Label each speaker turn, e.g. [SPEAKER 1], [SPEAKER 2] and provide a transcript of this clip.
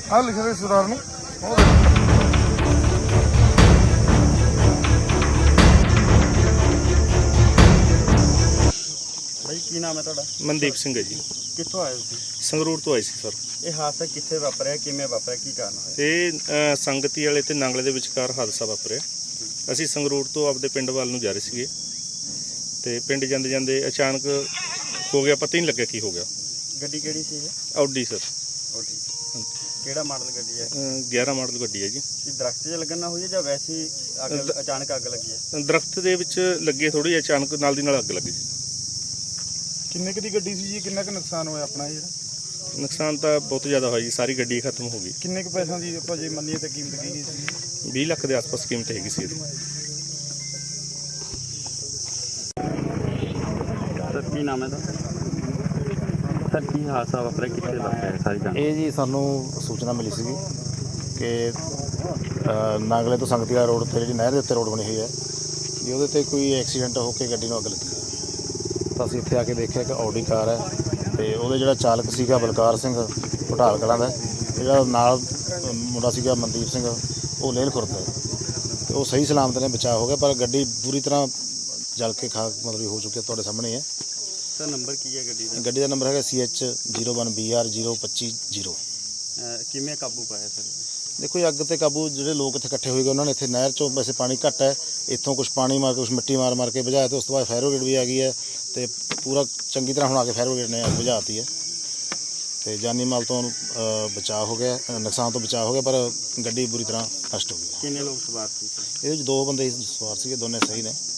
[SPEAKER 1] ਆਹ ਲਿਖਿਆ ਹੋਇਆ ਸਰਦਾਰ ਨੂੰ।
[SPEAKER 2] भाई की नाम है तुहाडा?
[SPEAKER 3] मनदीप सिंह है जी।
[SPEAKER 2] कित्थों आए तुसीं?
[SPEAKER 3] संगरूर तो आए सी सर।
[SPEAKER 2] ये हादसा कित्थे वापरिया, किवें वापरिया, की कारण होया?
[SPEAKER 3] ਇਹ ਸੰਗਤੀ ਵਾਲੇ ਤੇ ਨਾਂਗਲੇ ਦੇ ਵਿਚਕਾਰ ਹਾਦਸਾ ਵਾਪਰਿਆ। ਅਸੀਂ ਸੰਗਰੂਰ ਤੋਂ ਆਪਦੇ ਪਿੰਡ ਵੱਲ ਨੂੰ ਜਾ ਰਹੇ ਸੀਗੇ ਤੇ ਪਿੰਡ ਜਾਂਦੇ ਜਾਂਦੇ ਅਚਾਨਕ ਹੋ ਗਿਆ, ਪਤਾ ਹੀ ਨਹੀਂ ਲੱਗਿਆ ਕੀ ਹੋ ਗਿਆ।
[SPEAKER 2] गड्डी केड़ी सी ये?
[SPEAKER 3] Audi sir.
[SPEAKER 2] ओडी केड़ा मॉडल गड्डी है?
[SPEAKER 3] 11 ਮਾਡਲ ਗੱਡੀ ਹੈ ਜੀ।
[SPEAKER 2] ये दरख्त 'ਚ लगन ना हुई है या वैसे ही अचानक अग लगी है?
[SPEAKER 3] ਦਰਖਤ ਦੇ ਵਿੱਚ ਲੱਗੇ ਥੋੜੀ ਅਚਾਨਕ ਨਾਲ ਦੀ ਨਾਲ ਅੱਗ ਲੱਗੀ।
[SPEAKER 1] ਕਿੰਨੇ ਕੁ ਦੀ ਗੱਡੀ ਸੀ ਜੀ? ਕਿੰਨਾ ਕੁ ਨੁਕਸਾਨ ਹੋਇਆ ਆਪਣਾ ਜਿਹੜਾ?
[SPEAKER 3] ਨੁਕਸਾਨ ਤਾਂ ਬਹੁਤ ਜ਼ਿਆਦਾ ਹੋਇਆ ਜੀ, ਸਾਰੀ ਗੱਡੀ ਖਤਮ ਹੋ ਗਈ।
[SPEAKER 1] ਕਿੰਨੇ ਕੁ ਪੈਸਿਆਂ ਦੀ ਆਪਾਂ ਜੇ ਮੰਨੀਏ ਤਾਂ ਕੀਮਤ ਕੀ ਗਈ ਸੀ?
[SPEAKER 3] 20 ਲੱਖ ਦੇ ਆਸ-ਪਾਸ ਕੀਮਤ ਹੈਗੀ ਸੀ ਇਹਦੀ।
[SPEAKER 2] सर की नाम है सर की हादसा वापरिया, कित्थे वापरिया सारी जान?
[SPEAKER 4] ਇਹ ਜੀ ਸਾਨੂੰ ਸੂਚਨਾ ਮਿਲੀ ਸੀਗੀ ਕਿ ਨਾਗਲੇ ਤੋਂ ਸੰਗਤੀਆ ਰੋਡ ਤੇ ਜਿਹੜੀ ਨਹਿਰ ਦੇ ਉੱਤੇ ਰੋਡ ਬਣੀ ਹੋਈ ਹੈ ਵੀ ਉਹਦੇ ਤੇ ਕੋਈ ਐਕਸੀਡੈਂਟ ਹੋ ਕੇ ਗੱਡੀ ਨੂੰ ਅੱਗ ਲੱਗੀ ਹੈ। ਤਾਂ ਅਸੀਂ ਇੱਥੇ ਆ ਕੇ ਦੇਖਿਆ ਕਿ ਆਡੀ ਕਾਰ ਹੈ ਤੇ ਉਹਦੇ ਜਿਹੜਾ ਚਾਲਕ ਸੀਗਾ ਬਲਕਾਰ ਸਿੰਘ ਘਟਾਲ ਕਲਾਂ ਦਾ, ਜਿਹੜਾ ਨਾਲ ਮੁੰਡਾ ਸੀਗਾ ਮਨਦੀਪ ਸਿੰਘ, ਉਹ ਲੇਲ ਖੁਰਦ ਦਾ ਤੇ ਉਹ ਸਹੀ ਸਲਾਮਤ ਨੇ ਬਚਾਅ ਹੋ ਗਿਆ, ਪਰ ਗੱਡੀ ਪੂਰੀ ਤਰ੍ਹਾਂ ਜਲ ਕੇ ਖਾਕ ਮਤਲਬ ਹੋ ਚੁੱਕੀ ਹੈ। ਤੁਹਾਡੇ ਸਾਹਮਣੇ ਹੈ।
[SPEAKER 2] सर नंबर की है गड्डी दा?
[SPEAKER 4] ਗੱਡੀ ਦਾ ਨੰਬਰ ਹੈਗਾ CH01BR 025
[SPEAKER 2] किवें काबू पाया सर?
[SPEAKER 4] देखो ये अग ते काबू ਜਿਹੜੇ ਲੋਕ ਇੱਥੇ ਇਕੱਠੇ ਹੋਏ ਗਏ ਉਹਨਾਂ ਨੇ ਇੱਥੇ ਨਹਿਰ ਚੋਂ ਵੈਸੇ ਪਾਣੀ ਘੱਟ ਹੈ, ਇੱਥੋਂ ਕੁਝ ਪਾਣੀ ਮਾਰ ਕੇ ਕੁਝ ਮਿੱਟੀ ਮਾਰ ਕੇ ਬੁਝਾਇਆ ਤੇ ਉਸ ਤੋਂ ਬਾਅਦ ਫਾਇਰ ਬ੍ਰਿਗੇਡ ਵੀ ਆ ਗਈ ਹੈ ਤੇ ਪੂਰਾ ਚੰਗੀ ਤਰ੍ਹਾਂ ਹੁਣ ਆ ਕੇ ਫਾਇਰ ਬ੍ਰਿਗੇਡ ਨੇ ਅੱਗ ਬੁਝਾਤੀ ਹੈ ਤੇ ਜਾਨੀ ਮਾਲ ਤੋਂ ਬਚਾਅ ਹੋ ਗਿਆ, ਨੁਕਸਾਨ ਤੋਂ ਬਚਾਅ ਹੋ ਗਿਆ, ਪਰ ਗੱਡੀ ਬੁਰੀ ਤਰ੍ਹਾਂ ਨਸ਼ਟ ਹੋ ਗਈ।
[SPEAKER 2] कितने लोग सवार थे?
[SPEAKER 4] ਇਹਦੇ ਵਿੱਚ 2 ਬੰਦੇ ਸਵਾਰ ਸੀਗੇ, ਦੋਨੇ ਸਹੀ ਨੇ।